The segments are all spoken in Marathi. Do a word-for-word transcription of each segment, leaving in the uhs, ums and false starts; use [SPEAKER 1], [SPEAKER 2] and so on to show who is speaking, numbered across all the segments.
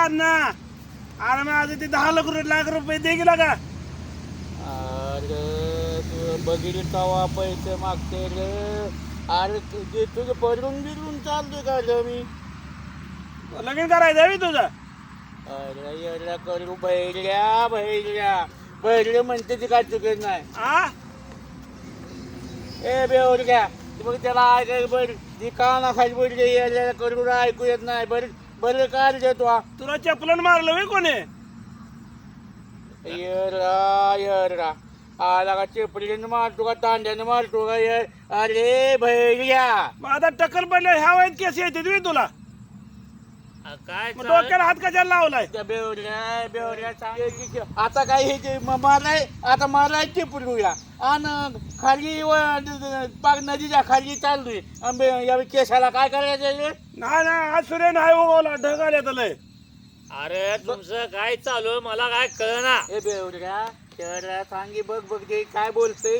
[SPEAKER 1] अण्णा अरे माझं ते दहा लाख रुपये लाख रुपये दे गेला का
[SPEAKER 2] अरे तू बघितलं तवा पैसे मागते रे. अरे तुझे तुझं पडून बिरून चालतोय का रे मी.
[SPEAKER 1] लगीन करायचं आहे तुझं.
[SPEAKER 2] अरे एवढा करू बहिऱ्या बहिऱ्या बहिरे म्हणते ते काय चुकत नाही.
[SPEAKER 1] आ
[SPEAKER 2] ए बेवड्या मग त्याला ऐकाय बरं ती का ना खाली पडली यायला करू ऐकू येत नाही. बरं बरं काय देतो
[SPEAKER 1] तुला चपलन मारलं वे कोणी.
[SPEAKER 2] येरा येरा आला का चेपडीने मारतो का तांड्याने मारतो का ये. अरे भैया
[SPEAKER 1] मग आता टक्कर पडल्या ह्या वयात केस येते तुम्ही तुला
[SPEAKER 2] काय
[SPEAKER 1] मग डोक्याला हात कशाला लावलाय.
[SPEAKER 2] बेवड्या बेवड्या आता काय हे माराय आता माराय चेपडूया आणि खाली पाक नदीच्या खाली चाललोय या केसाला काय करायचं.
[SPEAKER 1] नाही ना आज सूर्य नाही उगवला ढग आले लय.
[SPEAKER 3] अरे तुमचं काय चालू मला काय कळना.
[SPEAKER 2] ए बेवड्या शहरा सांगी बघ बघ ते काय बोलतोय.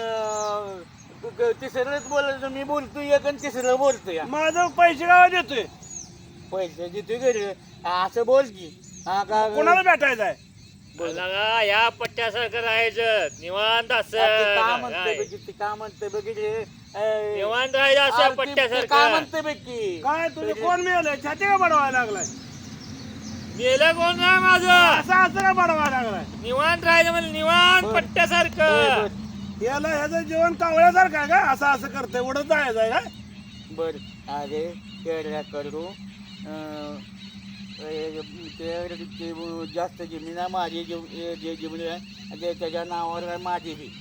[SPEAKER 2] तिसरंच बोलायचं मी बोलतोय एक आणि तिसरं बोलतोय.
[SPEAKER 1] माझं पैसे गावा देतोय
[SPEAKER 2] पैसे देतोय घरी असं बोल की. हा का
[SPEAKER 1] कोणाला भेटायचं आहे.
[SPEAKER 3] लगा या पट्ट्यासारखं राहायचं निवांत
[SPEAKER 2] ते का म्हणते
[SPEAKER 3] असं
[SPEAKER 2] बघ ते का म्हणते बघितले
[SPEAKER 3] निवांत राहायचं असं
[SPEAKER 2] का
[SPEAKER 3] पट्ट्यासारखं.
[SPEAKER 2] म्हणते बघ की.
[SPEAKER 1] काय तुझे कोण मिळालंय छाती का बडवायला लागलाय.
[SPEAKER 3] गेलं कोण नाही माझं
[SPEAKER 1] असं असं का बडवायला लागलाय.
[SPEAKER 3] निवांत राहायचं म्हणजे निवांत
[SPEAKER 2] बर.
[SPEAKER 3] पट्ट्यासारखं.
[SPEAKER 1] याला ह्याचं जेवण कावळ्यासारखं आहे का असं असं करतंय उडत जायचं आहे का.
[SPEAKER 2] बर अरे केळ्या करू अं, ए, ते- ते जास्त जमीन आहे माझी जे जे जमीन आहे ते त्याच्या नावावर आहे माझी बी.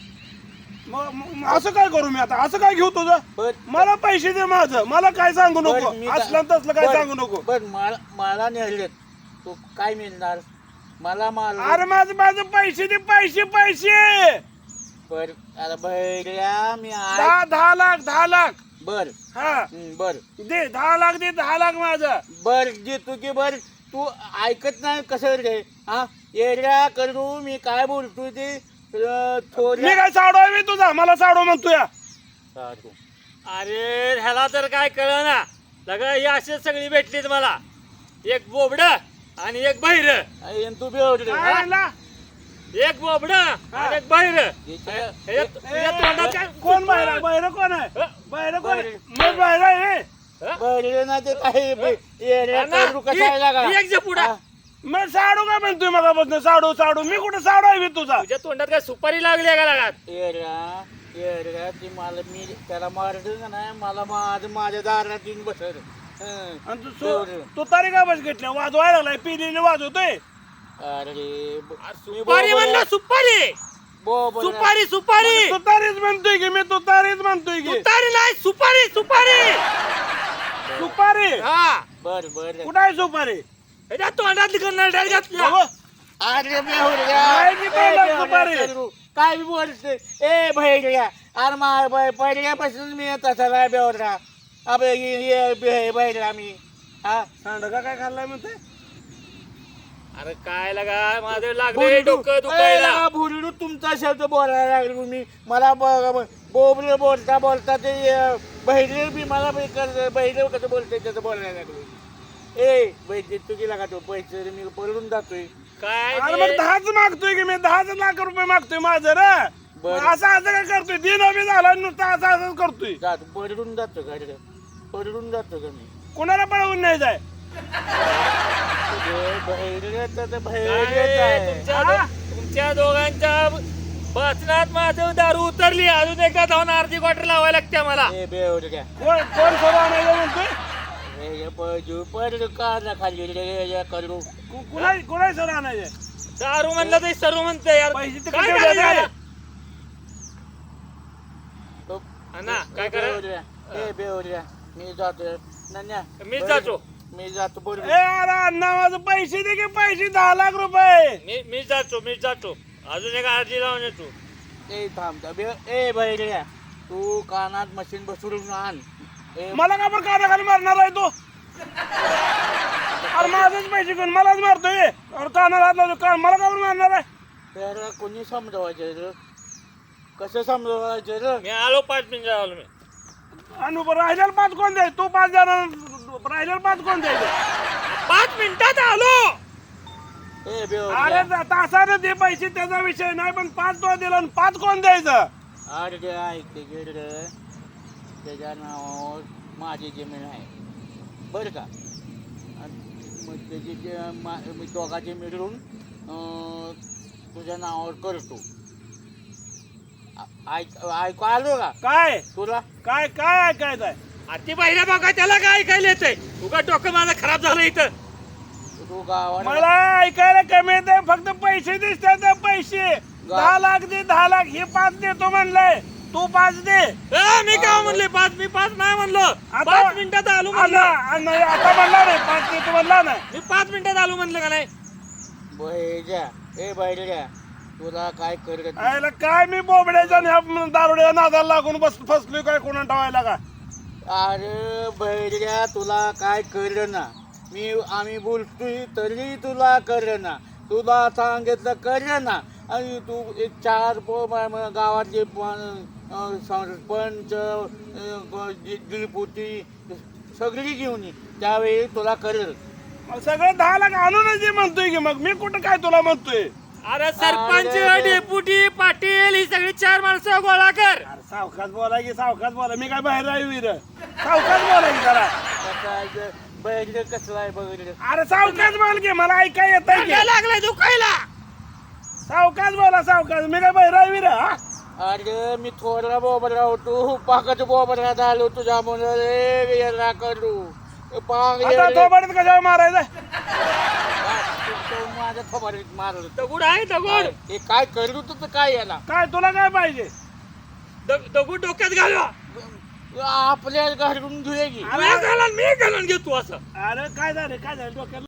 [SPEAKER 1] मग मग असं काय करू मी आता असं काय घेऊ तुझं.
[SPEAKER 2] बर
[SPEAKER 1] मला पैसे दे माझं मला काय सांगू नको
[SPEAKER 2] बर, मी का-
[SPEAKER 1] असलं तसलं काय
[SPEAKER 2] बर,
[SPEAKER 1] सांगू नको.
[SPEAKER 2] बर मला मला नेहलेत तू काय मिळणार मला माल.
[SPEAKER 1] अरे माझं माझं पैसे दे पैसे पैसे.
[SPEAKER 2] बर अरे भैया मी आय
[SPEAKER 1] दहा दहा लाख दहा लाख
[SPEAKER 2] बर
[SPEAKER 1] हा
[SPEAKER 2] हं, बर
[SPEAKER 1] दे दहा लाख दे दहा लाख माझं.
[SPEAKER 2] बर जे तू की बर तू ऐकत नाही कसं रे. हा येड्या करू मी काय बोलतोय ते अं,
[SPEAKER 1] मी
[SPEAKER 2] थोड्या
[SPEAKER 1] काय साडू आहे मी तुझा मला साडू म्हणतो या.
[SPEAKER 2] साधू.
[SPEAKER 3] अरे ह्याला तर काय कळना. लगा ही अशीच सगळी भेटलीत मला. एक बोबड आणि एक बहिर.
[SPEAKER 2] अय्यन तू बेवडे
[SPEAKER 1] काय म्हणला?
[SPEAKER 3] एक बोबड आणि एक बहिर.
[SPEAKER 1] ए, कोण बाहेर बाहेर कोण आहे बाहेर कोण आहे? मग बाहेर आहे
[SPEAKER 2] बरे ना ते काही येड्या करू कशाला का.
[SPEAKER 3] एक जे पुढा
[SPEAKER 1] मग साडू काय म्हणतोय मगापासून साडू साडू मी कुठे साडू आहे मी तुझा.
[SPEAKER 3] तुझ्या तोंडात काय सुपारी लागली आहे का लगात.
[SPEAKER 2] येड्या येड्या ती मला मी त्याला मारलं का नाही मला माझं माझ्या दारात येऊन बसत.
[SPEAKER 1] आणि तू सो- तू तारी का बस घेतल्या वाजवायला लागलाय पिलेले वाजवतोय.
[SPEAKER 2] अरे
[SPEAKER 3] सुपारी म्हणलं सुपारी सुपारी सुपारी
[SPEAKER 1] तू तारीच म्हणतोय की मी तू तारीच म्हणतोय की
[SPEAKER 3] सुपारी नाही सुपारी सुपारी.
[SPEAKER 1] सुपारी
[SPEAKER 3] हा
[SPEAKER 2] बर बर
[SPEAKER 1] कुठं आहे सुपारी.
[SPEAKER 3] ह्याच्या तोंडातली करणार घातल्या.
[SPEAKER 1] बाबा,
[SPEAKER 2] अरे
[SPEAKER 1] काय की तोंडात सुपारी?
[SPEAKER 2] काय बी बोलते ए भैया अरे मा पहिल्यापासून मी तसा नाही बेवडा अबे बैरा मी हा
[SPEAKER 1] सांडगा काय खाल्लाय म्हणते.
[SPEAKER 3] अरे काय लगा माझं लागले डोकं दुखायला.
[SPEAKER 2] भुरडू तुमचा शब्द बोलायला लागलो तुम्ही मला बोबरे बोलता बोलता ते बहिरे बी मला बहिरे कसं बोलते त्याचं बोलायला लागलो. ए बैठे तू गेला का तो पैसे मी पळून जातोय.
[SPEAKER 3] काय
[SPEAKER 1] अरे मग
[SPEAKER 3] ते-
[SPEAKER 1] दहाच मागतोय की मी दहाच लाख रुपये मागतोय माझं रे.
[SPEAKER 2] बरं.
[SPEAKER 1] मग असं असं काय करतोय दिन बी झाला नुसतं असं असंच करतोय.
[SPEAKER 2] जातो पडून जातो का रे पडून जातो का मी
[SPEAKER 1] कोणाला पळवून नाही जाय.
[SPEAKER 2] बहिरे तर
[SPEAKER 3] काय
[SPEAKER 2] बहिरेच आहे.
[SPEAKER 3] तुमच्या दो- तुमच्या दोघांच्या बसनात माझं दारू उतरली. अजून एकदा धावून अर्धी क्वार्टर लावायला लागते मला.
[SPEAKER 2] ए बेवड काय
[SPEAKER 1] कोण कोण सर्व आणायचं म्हणतोय.
[SPEAKER 2] पड का ना खाली रे करू
[SPEAKER 1] कु- कुणा कुणा सर्व आणायचं.
[SPEAKER 3] दारू म्हणलं तरी सर्व म्हणते यार.
[SPEAKER 1] पैसे तर
[SPEAKER 3] काय
[SPEAKER 1] कुठे
[SPEAKER 3] करायचं
[SPEAKER 1] द्यायचे?
[SPEAKER 3] मला? अण्णा, काय करा
[SPEAKER 2] ए बेवड्या मी जातो नन्या
[SPEAKER 3] मीच जातो.
[SPEAKER 2] मी जातो
[SPEAKER 1] ए
[SPEAKER 2] बरोबर.
[SPEAKER 1] अरे अण्णा माझं पैसे दे की पैसे दहा लाख रुपये.
[SPEAKER 3] मी मीच जातो मीच जातो. अजून एक अर्धी लावून येतो.
[SPEAKER 2] ए थांब थांब ए बहिऱ्या तू कानात मशीन बसवून आण. ए
[SPEAKER 1] मला का पण कानाखाली मारणार आहे तो. अरे माझेच पैसे घेऊन मलाच मारतोय. अरे कानाला हात लावतो कान मला का पण मारणार आहे.
[SPEAKER 2] त्याला कोणी समजवायचं रे कसं समजवायचं रे.
[SPEAKER 3] मी आलो पाच मिनिटं आलो मी.
[SPEAKER 1] आणि राहिलेला पाच कोण द्यायचं. तू पाच जण राहिलेला पाच कोण द्यायचं.
[SPEAKER 3] पाच मिनिटात आलो.
[SPEAKER 2] ए बेव
[SPEAKER 1] अरे तासाने दे पैसे त्याचा विषय नाही पण पाच तो दिला आणि पाच कोण द्यायचं
[SPEAKER 2] अरे ते ऐक ते गेड त्याच्या नावावर माझी जमीन आहे बरं का आणि मग त्याची जे मा- मी दोघांचे मिळून अं, तुझ्या नावावर करतो आ- ऐक ऐकू आलो का
[SPEAKER 1] काय
[SPEAKER 2] तुला
[SPEAKER 1] काय काय ऐकायचं आहे
[SPEAKER 3] अति पहिल्या बघा त्याला काय ऐकायला येतंय तुका डोकं माझं खराब झालं इथं.
[SPEAKER 2] तू गावाला
[SPEAKER 1] मला ऐकायला कमी येते फक्त पैसे दिसतात ते पैसे दहा लाख दे दहा लाख हे पाच देतो म्हणलंय तू पाच दे
[SPEAKER 3] ए, मी काय म्हणले पाच मी पाच नाही म्हणलो पाच मिनिटात आलो म्हणलं.
[SPEAKER 1] आता नाही, आता म्हणला नाही पाच देतो म्हणला नाही
[SPEAKER 3] मी पाच मिनिटात आलो म्हणलं का नाही.
[SPEAKER 2] बैजा ए बैजा तुला काय करत
[SPEAKER 1] आयला काय मी बोबड्याच्या आणि ह्या दारुड्या नादाला लागून बस फसलोय काय कोणा ठेवायला का
[SPEAKER 2] अरे बैजा तुला काय कळलं ना मी आम्ही बोलतोय तरी तुला कळलं ना तुला सांगितलं कळलं ना आणि तू एक चार पो म- म- गावातले पण, अं, सरपंच अं, दि- दिलपुटी सगळी घेऊन ये त्यावेळी तुला कळेल
[SPEAKER 1] मग सगळं दहा लाख आणूनच दे म्हणतोय की मग मी कुठं काय तुला म्हणतोय
[SPEAKER 3] अरे सरपंच
[SPEAKER 2] अरे.
[SPEAKER 3] डेप्युटी पाटील ही सगळी चार माणसं गोळा कर.
[SPEAKER 1] अरे सावकाश बोला की सावकाश बोला मी काय बाहेर आहे विर सावकाश बोला की जरा
[SPEAKER 2] बैल कसला आहे बघ
[SPEAKER 1] अरे सावकाश बोल की मला ऐकाय येत आहे
[SPEAKER 3] काय
[SPEAKER 1] की
[SPEAKER 3] लागलाय दुखायला.
[SPEAKER 1] सावकाश बोला सावकाश मी काय बाहेर आहे विर
[SPEAKER 2] अरे मी थोडा बोबरा होतो पाकाच बोबरा झालो तुझ्या मुळे याला करू पाक
[SPEAKER 1] आता थोबाडीत कशावर मारायचं
[SPEAKER 2] माझ्या थोबाडीत मारलं
[SPEAKER 3] दगड आहे दगड
[SPEAKER 2] हे काय करू तर काय याला
[SPEAKER 1] काय तुला काय पाहिजे
[SPEAKER 3] दग- दगड डोक्यात घालवा.
[SPEAKER 2] आपल्या घरून घेऊया की
[SPEAKER 3] मी घालून मी घालून घेतो असं.
[SPEAKER 1] अरे काय झालं काय झालं डोक्यात